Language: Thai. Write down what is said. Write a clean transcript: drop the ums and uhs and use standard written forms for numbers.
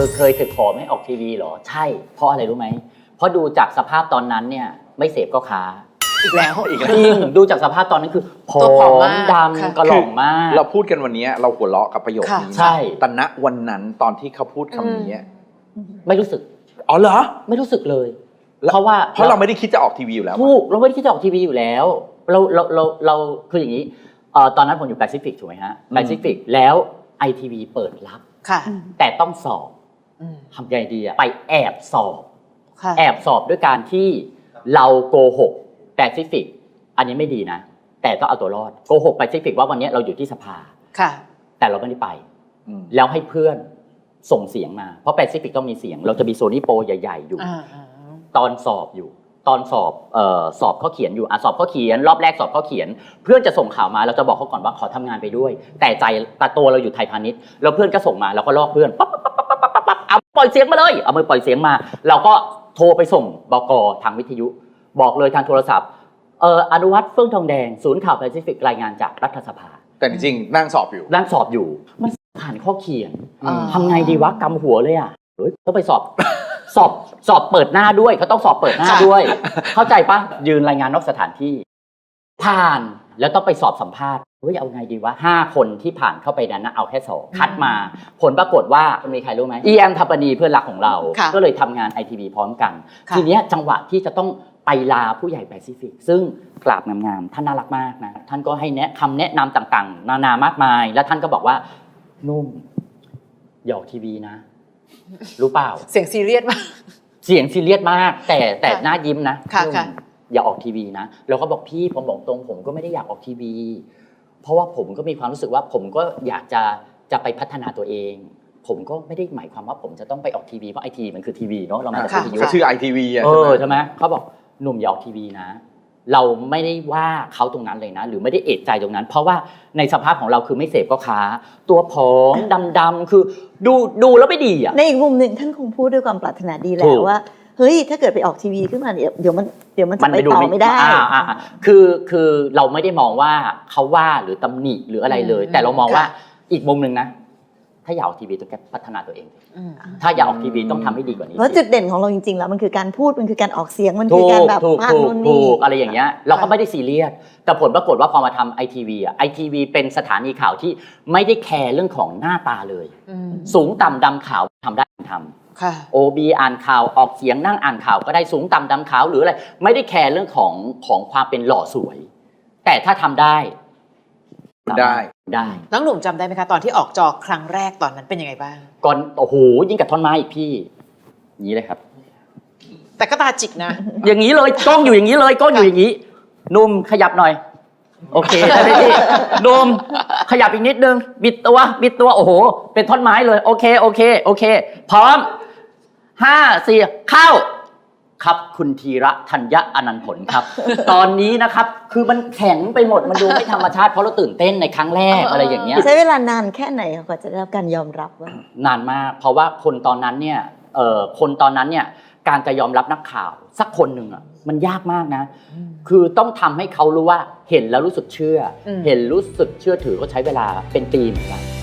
เคยถึกขอไม่ออกทีวีเหรอใช่เพราะอะไรรู้ไหมเพราะดูจากสภาพตอนนั้นเนี่ยไม่เสพก็ค้าอีกแล้วจริงดูจากสภาพตอนนั้นคือผอมดำกระหล่องมากเราพูดกันวันนี้เราหัวเราะกับประโยคนี้ใช่แต่ณวันนั้นตอนที่เขาพูดคำนี้ไม่รู้สึกอ๋อเหรอไม่รู้สึกเลยเพราะเราไม่ได้คิดจะออกทีวีอยู่แล้วถูกเราไม่ได้คิดจะออกทีวีอยู่แล้วเราคืออย่างนี้ตอนนั้นผมอยู่แปซิฟิกถูกไหมฮะแปซิฟิกแล้วไอทีวีเปิดรับแต่ต้องสอบทำไงดีอะไปแอบสอบด้วยการที่เราโกหกแปซิฟิกอันนี้ไม่ดีนะแต่ต้องเอาตัวรอดโกหกแปซิฟิกว่าวันนี้เราอยู่ที่สภาแต่เราไม่ได้ไปแล้วให้เพื่อนส่งเสียงมาเพราะแปซิฟิกต้องมีเสียงเราจะมีโซนี่โปรใหญ่ๆอยู่ตอนสอบสอบข้อเขียนอยู่สอบข้อเขียนรอบแรกสอบข้อเขียนเพื่อนจะส่งข่าวมาเราจะบอกเขาก่อนว่าขอทำงานไปด้วยแต่ตัวเราอยู่ไทยพาณิชย์แล้วเพื่อนก็ส่งมาเราก็ลอกเพื่อนปั๊บเอาปล่อยเสียงมาเลยเอามือปล่อยเสียงมาเราก็โทรไปส่งบก.ทางวิทยุบอกเลยทางโทรศัพท์อนุวัฒน์เฟื่องทองแดงศูนย์ข่าวแปซิฟิกรายงานจากรัฐสภาแต่จริงๆนั่งสอบอยู่มันผ่านข้อเขียนทำไงดีวะกำหัวเลยอ่ะต้องไปสอบเปิดหน้าด้วยเขาต้องสอบเปิดหน้าด้วยเข้าใจปะยืนรายงานนอกสถานที่ผ่านแล้วต้องไปสอบสัมภาษณ์เอาไงดีวะ5 คนที่ผ่านเข้าไปนั้นนะเอาแค่2คัดมาผลปรากฏว่ามีใครรู้ไหมEM ทัปปนีเพื่อนรักของเราก็เลยทำงาน ITV พร้อมกันทีนี้จังหวะที่จะต้องไปลาผู้ใหญ่แปซิฟิกซึ่งกราบงามๆท่านน่ารักมากนะท่านก็ให้คำแนะนำต่างๆนานามากมายแล้วท่านก็บอกว่านุ่มอย่าออกทีวีนะรู้เปล่าเสียงซีเรียสมากเสียงซีเรียสมากแต่หน้ายิ้มนะอย่าออกทีวีนะเราก็บอกพี่ผมบอกตรงผมก็ไม่ได้อยากออกทีวีเพราะว่าผมก็มีความรู้สึกว่าผมก็อยากจะไปพัฒนาตัวเองผมก็ไม่ได้หมายความว่าผมจะต้องไปออกทีวีเพราะไอทีมันคือทีวีเนาะเรามาจากวิทยุชื่อ ITV ใช่ไหมเขาบอกหนุ่มอย่าออกทีวีนะเราไม่ได้ว่าเขาตรงนั้นเลยนะหรือไม่ได้เอะใจตรงนั้นเพราะว่าในสภาพของเราคือไม่เสพก็ค้าตัวผอมดำๆคือดูแล้วไม่ดีอ่ะในอีกมุมหนึ่งท่านคงพูดด้วยความปรารถนาดีแหละว่าเฮ้ยถ้าเกิดไปออกทีวีขึ้นมาเดี๋ยวมันจะไปต่อไม่ได้คือเราไม่ได้มองว่าเขาว่าหรือตำหนิหรืออะไรเลยแต่เรามองว่าอีกมุมนึงนะถ้าอยากออกทีวีต้องพัฒนาตัวเองถ้าอยากออกทีวีต้องทำให้ดีกว่านี้เพราะจุดเด่นของเราจริงๆแล้วมันคือการพูดมันคือการออกเสียงมันคือการแบบพากนู่นนี่อะไรอย่างเงี้ยเราก็ไม่ได้ซีเรียสแต่ผลปรากฏว่าพอมาทำ ITV อ่ะ ITV เป็นสถานีข่าวที่ไม่ได้แคร์เรื่องของหน้าตาเลยสูงต่ำดำขาวทำได้ทำOB อ่านข่าวออกเสียงนั่งอ่านข่าวก็ได้สูงต่ำดำขาวหรืออะไรไม่ได้แคร์เรื่องของความเป็นหล่อสวยแต่ถ้าทำได้น้องหนุ่มจำได้ไหมคะตอนที่ออกจอครั้งแรกตอนนั้นเป็นยังไงบ้างก่อนโอ้โหยิ่งกับท่อนไม้อีกพี่อย่างนี้เลยครับแต่ก็ตาจิกนะอย่างนี้เลยกล้องอยู่อย่างนี้เลยกล้องอยู่อย่างนี้นุ่มขยับหน่อยโอเคได้ไหมพี่นุ่มขยับอีกนิดนึงบิดตัวโอ้โหเป็นท่อนไม้เลยโอเคพร้อม5 4เข้าครับคุณธีระธัญญะอนันต์ผลครับ ตอนนี้นะครับคือมันแข็งไปหมดมันดูไม่ธรรมชาติเพราะเราตื่นเต้นในครั้งแรกอะไรอย่างเงี้ยใช้เวลานานแค่ไหนกว่าจะได้รับการยอมรับว่านานมากเพราะว่าคนตอนนั้นเนี่ยการจะยอมรับนักข่าวสักคนหนึ่งอ่ะมันยากมากนะคือต้องทำให้เขารู้ว่าเห็นแล้วรู้สึกเชื่อเห็นรู้สึกเชื่อถือก็ใช้เวลาเป็นปีเหมือนกัน